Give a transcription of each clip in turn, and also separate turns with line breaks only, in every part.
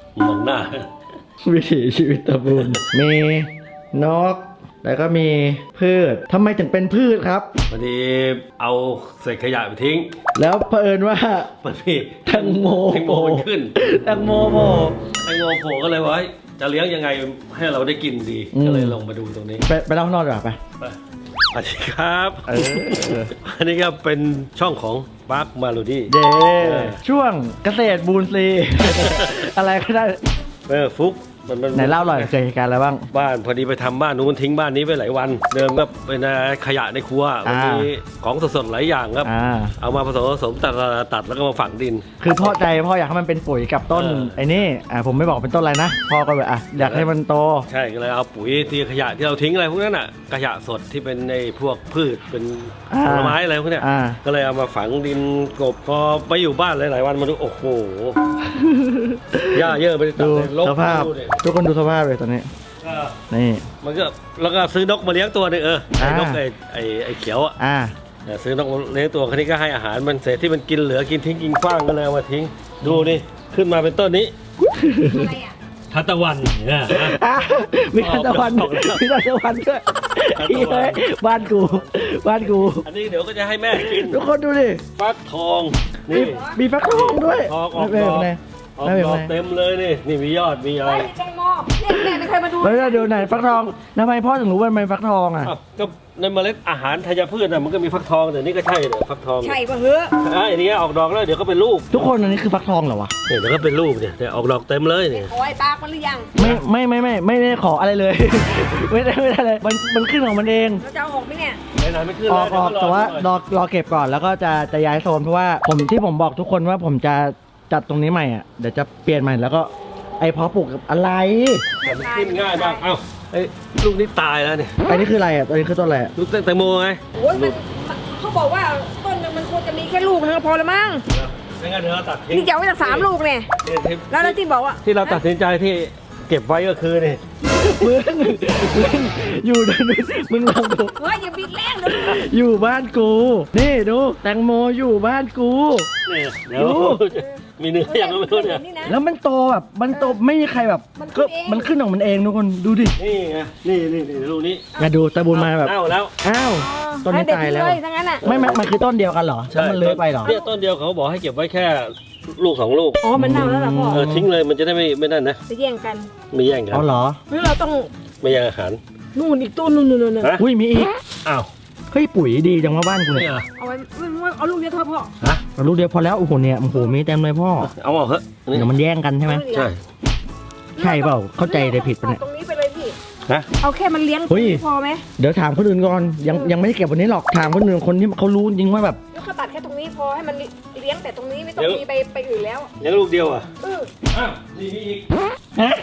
มองหน้า
วิถีชีวิตตะบูนมีนกแล้วก็มีพืชทำไมถึงเป็นพืชครับ
พอดีเอาเศษขยะไปทิ้ง
แล้วเผอิญว่า
มันมี
แตงโม
มันขึ้น
แตงโมโผล่
แตงโมโผล่ก็เลยว่าจะเลี้ยงยังไงให้เราได้กินดี ก็เลยลงมาดูตรงนี้
ไปเล่าข้างนอกดีกว่าไป
สวัสดีครับ
เออ
อันนี้ก็เป็นช่องของปาร์คมาลูดี้
เด้ช่วงเกษตรบูนซี อะไรก็ได้
ฟุกมัน
ไหนเล่าหน่อยเกิดเหตุการณ์อะไรบ้าง
บ้านพอดีไปทำบ้านนู้นทิ้งบ้านนี้ไปหลายวัน เดิมก็เป็นขยะในครัวมันมีของสดๆหลายอย่างครับ เอามาผสมตัดแล้วก็มาฝังดิน
คือพ่ออยากให้มันเป็นปุ๋ยกับต้นไอ้นี่ผมไม่บอกเป็นต้นอะไรนะพ่อก็แบบอยากให้มันโต
ใช่ก็เลยเอาปุ๋ยที่ขยะที่เราทิ้งอะไรพวกนั้นอ่ะขยะสดที่เป็นในพวกพืชเป็นผลไม้อะไรพวกเนี้ยก็เลยเอามาฝังดินกบพอไปอยู่บ้านหลายๆวันมาดูโอ้โหหญ้าเยอะไปตัด
ดู
เลยลก
สภาพ
ดูดิ
ทุกคนดูสภาพเลยตอนนี้ นี่
มันก็แล้วก็ซื้อนกมาเลี้ยงตัวหนึงไอ้นกไอ้เขียวอ่ะ ซื้อนกเลี้ยงตัวคนนี้ก็ให้อาหารมันเศษที่มันกินเหลือกินทิ้งกินขว้างก็เลยเอามาทิ้งดูนี่ขึ้นมาเป็นต้นนี้
อะไรอ่ะ
ทานตะวันเนี่ย
มีทานตะวันมีทานตะวันด้วยบ้านกู
อันนี้เดี๋ยวก็จะให้แม่กิน
ทุกคนดูดิ
ฟักทองนี่
มีฟักทองด้วย
ทองออก
ไม่
ดอก
เป็นไร
ออก
ไม่เป็น
ดอ
ไร
กเต็มเลยนี่มียอดมีอะไร
เฮ้ยแตงโมเนี่ยแม่ไม่เคยมาดู
แล้วเดี๋ยวไหนฟักทองทำไมพ่อถึงรู้ว่ามันเป็นฟักทองอ่ะ
อ้าวก็ในเมล็ดอาหารธัญพืชน่ะมันก็มีฟักทองแต่นี่ก็ใช่เนี่ยฟักทอง
ใช่ป่ะเฮ้อ
อันนี้ออกดอกแล้วเดี๋ยวก็เป็นลูก
ทุกคนอันนี้คือฟักทองเหรอวะ
เนี่ยเดี๋ยวก็เป็นลูกเนี่ยออกดอกเต็มเลยเนี่ย
ขอไอ้ปากมันหรือยัง
ไม่ได้ขออะไรเลย ไม่ได้เลยมันขึ้นของมันเอง
เราจะเอาออกไหมเนี่ย
ไหนๆไม่ขึ้น
อ
เล
อย กแต่ว่ารอเก็บก่อนแล้วก็จะย้ายโซนเพราะว่าที่ผมบอกทุกคนว่าผมจะจัดตรงนี้ใหม่อ่ะเดี๋ยวจะเปลี่ยนใหม่แล้วก็ไอ้เพาะปลูกกับอะไร
แต่มันขึ้นง่ายมากเอ้าไอ้ลูกนี้ตายแล้วเนี่ย
อันนี้คืออะไรอ่ะตัวนี้คือต้นอะไรอ่ะ
ลูกแตงโมไง
โอ้ยมันเขาบอกว่าต้นหนึงมันควรจะมีแค่ลูกนึงก็พอละมั้ง
ไม่งั้นเดี๋ยวเราตัดทิ้ง
นี่จะเอาไว้ตั้ง3 ลูกเนี่ยแล้วที่บอกว่า
ที่เราตัดสินใจที่เก็บไว้ก็คือนี่
มึงอยู่มึงลองดู
เฮ้ยอย่าบิดแรงเดี๋ยว
อยู่บ้านกูนี่ดูแตงโมอยู่บ้านกู
นี่เดี๋ยวมีเนื้ออย่างนั้นไม่รู้เนี่ย
นี่นะ
แล้วมันโตแบบมันโตไม่มีใครแบบ
มันขึ้
ก็
นเอง
มันขึ้นของมันเองทุกคนดูดิ
นี่ไงนี่ลูกนี้
มาดูตะบูนมาแบบ
เน่าแล้ว
อ้าวต้นนี้
ให้เด็ด
ตายแล้ว
เลยทั้งนั้นอ่ะ
ไม่มันคือต้นเดียวกันเหรอแล้วมันเลื้อยไปเหรอ
เนี่ยต้นเดียวเขาบอกให้เก็บไว้แค่ลูก2 ลูก
อ๋อมันเน่าแล้วล่ะพ่อ
ทิ้งเลยมันจะได้ไม่นั่นนะ
จะแย่งกัน
ไม่แย่งกัน
เอาเหรอ
หรือเราต้อง
ไม่แย่งอาหาร
นู่นอีกต้นนู่นๆ
ฮะ
อุ้ยมีอีก
อ้าว
เฮ้ยปุ๋ยดีจังว่าบ้านกู
นี่
เนี่ย
เหรอ
เอาไว้เอาลูกเดียวเถอะพ่อ
ฮะ
เอาลูกเดียวพอแล้วโอ้โหเนี่ยโอ้โหมีเต็มเลยพ่อ
เอาเหรอะนี่
เดี๋ยวมันแย่งกันใช่ไหม
ใช่
ใช่เปล่าเข้าใจเลยผิดปะเนี่ย
ตรงนี้ไปเลยพี่
ฮะ
เอาแค่มันเลี้ยง
เฮ้ย
พอไหม
เดี๋ยวถามคนอื่นก่อนยังไม่ได้เก็บวันนี้หรอกถามคนอื่นคนที่เขารู้จริงว่าแบบ
แล้วเขาตัดแค่ตรงนี้พอให้มันเลี้ยงแต่ตรงนี้ไม่ต้องมีไปอื่นแล้ว
เลี้ยงลูกเดียวอ่ะ
เออ
อ้าวนี่มีอีก
ฮะ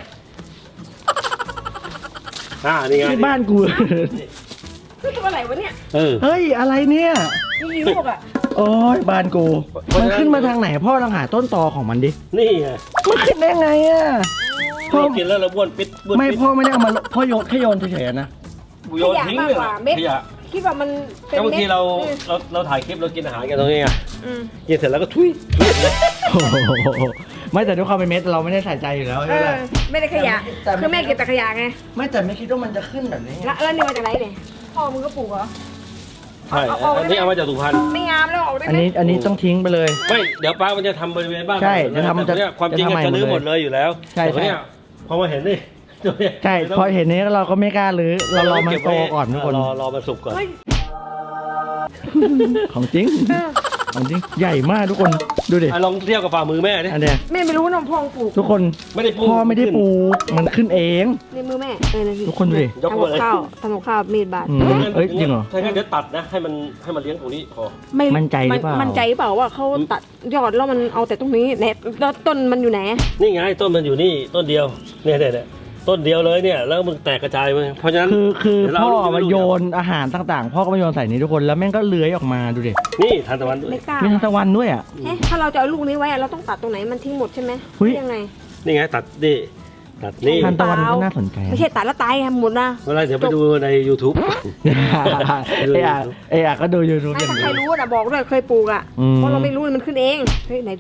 นี่ไง
ที่บ้านกู
คือตัวอะไรวะเนี่ย
เฮ้ยอะไรเนี่ย
มีลูกอ่ะ
โอ้ยบ้านกู มันขึ้นมาทางไหนพ่อลองหาต้นตอของมันดิ
นี่ไง
มันขึ้นได้ไงอ่ะพ่อ
เรากินแล้วเราบ้วนปิดบ้วน
ไม่
ปิด
พ่อไม่ได้เอามาพ่อโยนแค่โยนเฉยๆนะ
โยนทิ้งเลย
ขยะมากกว่าเม็ด
ขยะ
คิดว่ามันเป็น
แล้วบาง
เม็ด
ทีเราถ่ายคลิปเรากินอาหารกันตรงนี้ไง
อืม
กินเสร็จแล้วก็ทุย
โอ้โหไม่แต่ด้วยความเป็นเม็ดเราไม่ได้ใส่ใจอยู่แล้ว
เอ
ใช่ไหม
อไม่ได้ขยะ
แต่
คือแม่เก็บแต่ขยะไง
ไม่แต่ไม่คิดว่ามันจะขึ้นแบบนี้ไง
แล้วนี่มาจากไหนเนี่ยพ่อมึงก็ปลูกเหรอ
ใช่อันนี้เอามาจากสุพรรณ
ไม่งามแล้วออกได้
อัน
ไหม
นี้ต้องทิ้งไปเลย
ไม่เดี๋ยวป้ามันจะทำบริเวณบ้าน
ใช่จะทำ
แต่เนี่ยความจริง
จะทำใหม่
จะรื้อ
ห
ห
ม
ม
ด
ด
เล
เลย ยอยู่แล้ว
ใช่
แต่เนี่ยพอมาเห็นนี่ตัวเนี่ย
ใช่พอเห็นนี้เราก็ไม่กล้ารื้อเรารอมันโตก่อนทุกคน
รอมันสุกก่อน
เฮ้ย
ของจริง
เออ
ของจริงใหญ่มากทุกคนดูดิ
ลองเทียบกับฝ่ามือแม่ดิ
อันเนี้ย
แม่ไม่รู้นะพ่อปลูก
ทุกคน
ไม่ได้ปลูก
พ่อไม่ได้ปลูกมันขึ้นเอง
ในมือแม่นะพี่
ทุกคนดูดิ
ยก
ทำ
มา
กับ
เลย
ข้าวทำกับข้าวมีดบาด
อืมเอ้ยจริงเหรอ
ถ้างั้นเดี๋ยวตัดนะให้มันเลี้ยงตรงนี้พอ
มั่นใจหรือเปล่า
มั่นใจหรือเปล่าว่าเขาตัดยอดแล้วมันเอาแต่ตรงนี้แหนแล้วต้นมันอยู่ไหน
นี่ไงต้นมันอยู่นี่ต้นเดียวเนี่ยต้นเดียวเลยเนี่ยแล้วมันแตกกระจายไปเพราะฉะนั้น
คือ
เดี๋ยวเรา
พ่อ
เอาลูก
มา
เดียว
โยนอาหารต่างๆ พ่อก็มาโยนใส่นี้ทุกคนแล้วแม่งก็เลื้อยออกมาดูดิ
นี่ทานตะวันด้วย
ไม่กล้า
มีทานตะวันด้วยอ่ะ
เอ๊ะถ้าเราจะเอาลูกนี้ไว้อะเราต้องตัดตรงไหนมันทิ้งหมดใช่ไหม
เฮ้ย
ยังไง
นี่ไงตัดนี่ตัดนี่
ทานตะวันก็น่าสนใจ
ไม่ใช่ตัดแล้วตายหมดนะ
เวลาเดี๋ยวไปดูใน YouTube
เอ้ยก็ดูยูทูบ
ไม่
อย่าง
ถ้าใคร
เดียว
รู้นะบอกด้วยเคยปลูกอ่ะ
อืม
เพราะเราไม่รู้มันขึ้นเองเฮ้ยไหนดูดิ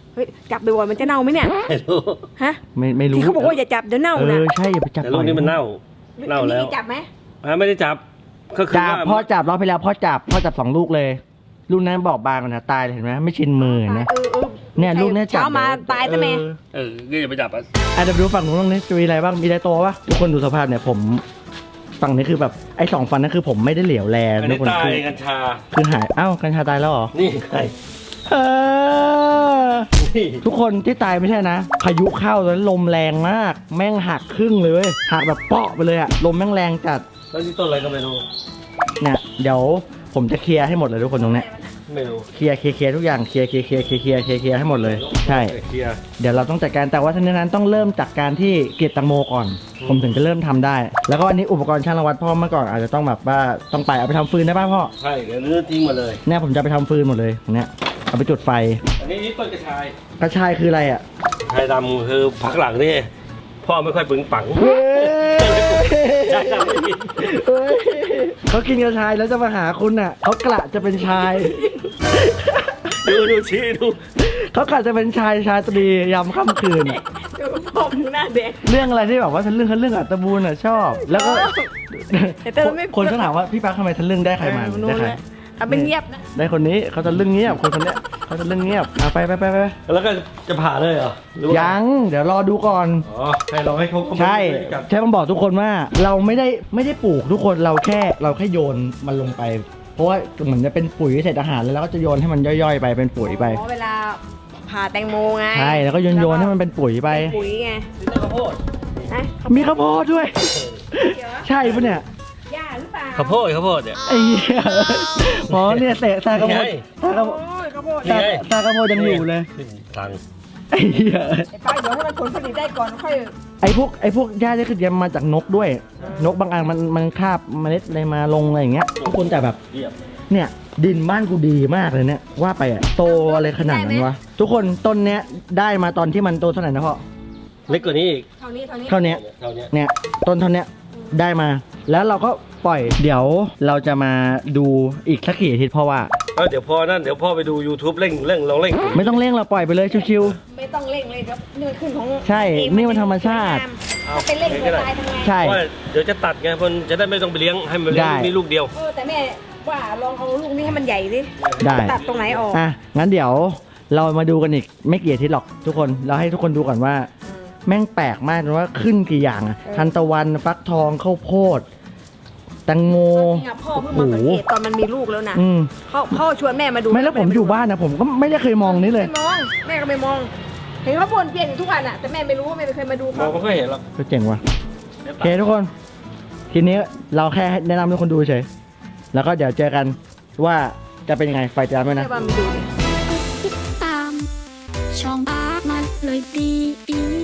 เฮ้ยจับบ่อยๆมันจะเน่าไหมเนี่ย
ไม่รู้
ฮะ
ไม่รู้
ที่เขาบอกว่าอย่าจับเดี๋ยวเน่านะ
ใช่อย่าไปจับ
แต่ลูกนี้มันเน่าแล้ว
อัจับไหม
ไม่ได้จับก็คือ
จับ
ว่า
พ่อจับรอบไปแล้วพ่อจับ2 ลูกเลย ลูกนั้นบอกบางกันนะตายเลยเห็นไหมไม่ชินมือเห็นไหมเนี่ยลูกเนี่ยจับ
เช้ามาตายซะแม่
ก็อย่าไปจับอ่ะ
เดี๋ยวดูฝั่งนู้นตรงนี้จะมีอะไรบ้างมีอะไรโตวะทุกคนดูสภาพเนี่ยผมฝั่งนี้คือแบบไอ้2 ฟันนั่นคือผมไม่ได้เหลียวแล
อัน
ทุ
นี้
กคน
ตาย
คือ
กัญชา
คือหายกัญชาตายแล้วเหรอ
นี่ไง
เออ
นี่
ทุกคนที่ตายไม่ใช่นะพายุเข้าตอนนั้นลมแรงมาก แม่งหักครึ่งเลยเว้ยหักแบบเปาะไปเลยอะลมแม่งแรงจัด
แล้วนี่ต้นอะไรก็ไม่รู้
เนี่ยเดี๋ยวผมจะเคลียร์ให้หมดเลยทุกคนตรงเนี้ย
ไม่รู้
เคลียร์ทุกอย่างเคลียร์ให้หมดเลยใช่
เคลียร์
เดี๋ยวเราต้องจัดการแต่ว่าทั้งนี้นั้นต้องเริ่มจากการที่เก็บแตังโมก่อน ผมถึงจะเริ่มทำได้ แล้วก็อันนี้อุปกรณ์ช่างระวัดพ่อเมื่อก่อนอาจจะต้องแบบว่าต้องไปเอาไปทำฟืนได้ป่ะพ่อ
ใช่เดี๋ยวลื้อทิ้งหมาเลย
เนี่ยผมจะไปทำฟืนหมดเลยเนี่ยเอาไปจุดไฟ
อันนี้ต้นกระชาย
กระชายคืออะไรอ่ะ
ชายดำคือผักหลังนี่พ่อไม่ค่อยปึงปัง
เฮ้ย
ชายดำไม่มี
เฮ้ยเขากินกระชายแล้วจะมาหาคุณอ่ะเขากระจะเป็นชาย
ดูชี้ดู
เขากะจะเป็นชายตรียามค่ำคืน
ดูพ่อมึงหน้าเด็ก
เรื่องอะไรที่แบบว่าทะลึ่งอัตบูลอ่ะชอบ แล้วก็
แต่เราไม่
คนก็ถามว่าพี่ปั๊กทำไมทะลึ่งได้ใครมา
นู้
ได้
น
ใคร
เลยทำเป็นเงียบนะ
ได้คนนี้เขาจะลึ่งเงียบคนเนี้ยเขาจะลึ่งเงียบไป
แล้วก็จะผ่าเลยเหรอหรือว่า
ยังเดี๋ยวรอดูก่อน
อ๋อให้เราให้เขา
ใช่
จับ
ใช่ผมบอกทุกคนว่าเราไม่ได้ปลูกทุกคนเราแค่โยนมันลงไป เพราะว่าเหมือนจะเป็นปุ๋ยเศษอาหารแล้วเราก็จะโยนให้มันย่อยๆไปเป็นปุ๋ยไป
อ๋อเวลาผ่าแตงโมไง
ใช่แล้วก็โยนให้มันเป็นปุ๋ยไป
ปุ๋ยไง
นี่ต้นข้าวโพด
นะ
มีข้าวโพดด้วย ใช่ปะเนี่ย
หญ้าหรือเปล่า
ข้าวโพดเนี่ย
ไอ้เหี้ยหมอเนี่ยเตะตากระโพด
นี่ไง
ตากระโพด
โอ้ยข้าวโพด
นี่ไง
ตากระโพดยังอยู่เลย
ตัง
ไอ้เหี้ย
ไอ้ป้าเดี๋ยวให้มันผลผลิตได้ก่อนค่อย
ไอ้พวกหญ้าที่คือเตรียมมาจากนกด้วย นกบางอันมันคาบเมล็ดอะไรมาลงอะไรอย่างเงี้ยทุกคนแต่แบบ
เยียบ
เนี่ยดินบ้านกูดีมากเลยเนี่ยว่าไปอะโตอะไรขนาดนั้นวะทุกคนต้นเนี้ยได้มาตอนที่มันโตเท่าไหร่นะพ่อ
เล็กกว่านี้อีก
เท่านี้
เท่าเนี้ย
เท่านี้
เนี่ยต้นเท่าเนี้ยได้มา แล้วเราก็ปล่อยเดี๋ยวเราจะมาดูอีกสักกี่อาทิตย์เพราะว่า
เดี๋ยวพ่อไปดู YouTube เร่งลองเร่ง
ไม่ต้องเร่งเราปล่อยไปเลยชิว
ไม่ต้องเร่งเลยครับนี่มันขึ้นของ
ใช่นี่มันธรรมชาติ
จะไปเร่งหัวตายทำไง
ๆใช่
ว่าเดี๋ยวจะตัดไงมันจะได้ไม่ต้องไปเลี้ยงให้มันเลี้ยง
ได้
มีลูกเดียว
แต่แม่ว่าลองเอาลูกนี้ให้มันใหญ่ดิ
ได้
ตัดตรงไหนออก
อ่ะงั้นเดี๋ยวเรามาดูกันอีกไม่กี่อาทิตย์หรอกทุกคนเราให้ทุกคนดูก่อนว่า แม่งแปลกมากนะว่าขึ้นกี่อย่างอะทันตะวันฟักทองข้าวโพดแตงโม
จริงอะพ่อเพิ่งมาสังเกตตอนมันมีลูกแล้วนะ
อืม
พ่อชวนแม่มาดู
ไม่แล้วผมอยู่บ้านนะผมก็ไม่ได้เคยมองนี้เลย
ไม่มองแม่ก็ไม่มองเห็นเขาบ่นเปลี่ยนอยู่ทุกวันอะแต่แม่ไม่รู้แม่ไม่เคยมาดู
มอ
เขา
งไม่ค่อยเห็นหรอก
ก็เจ๋งว่ะโอเคทุกคน ทีนี้เราแค่แนะนำให้ทุกคนดูเฉยแล้วก็เดี๋ยวเจอกันว่าจะเป็นยังไงไฟติดตามด้วยนะ
แม่ว่ามาดูดิ
ติดตามช่องอาร์ตมันเลยดี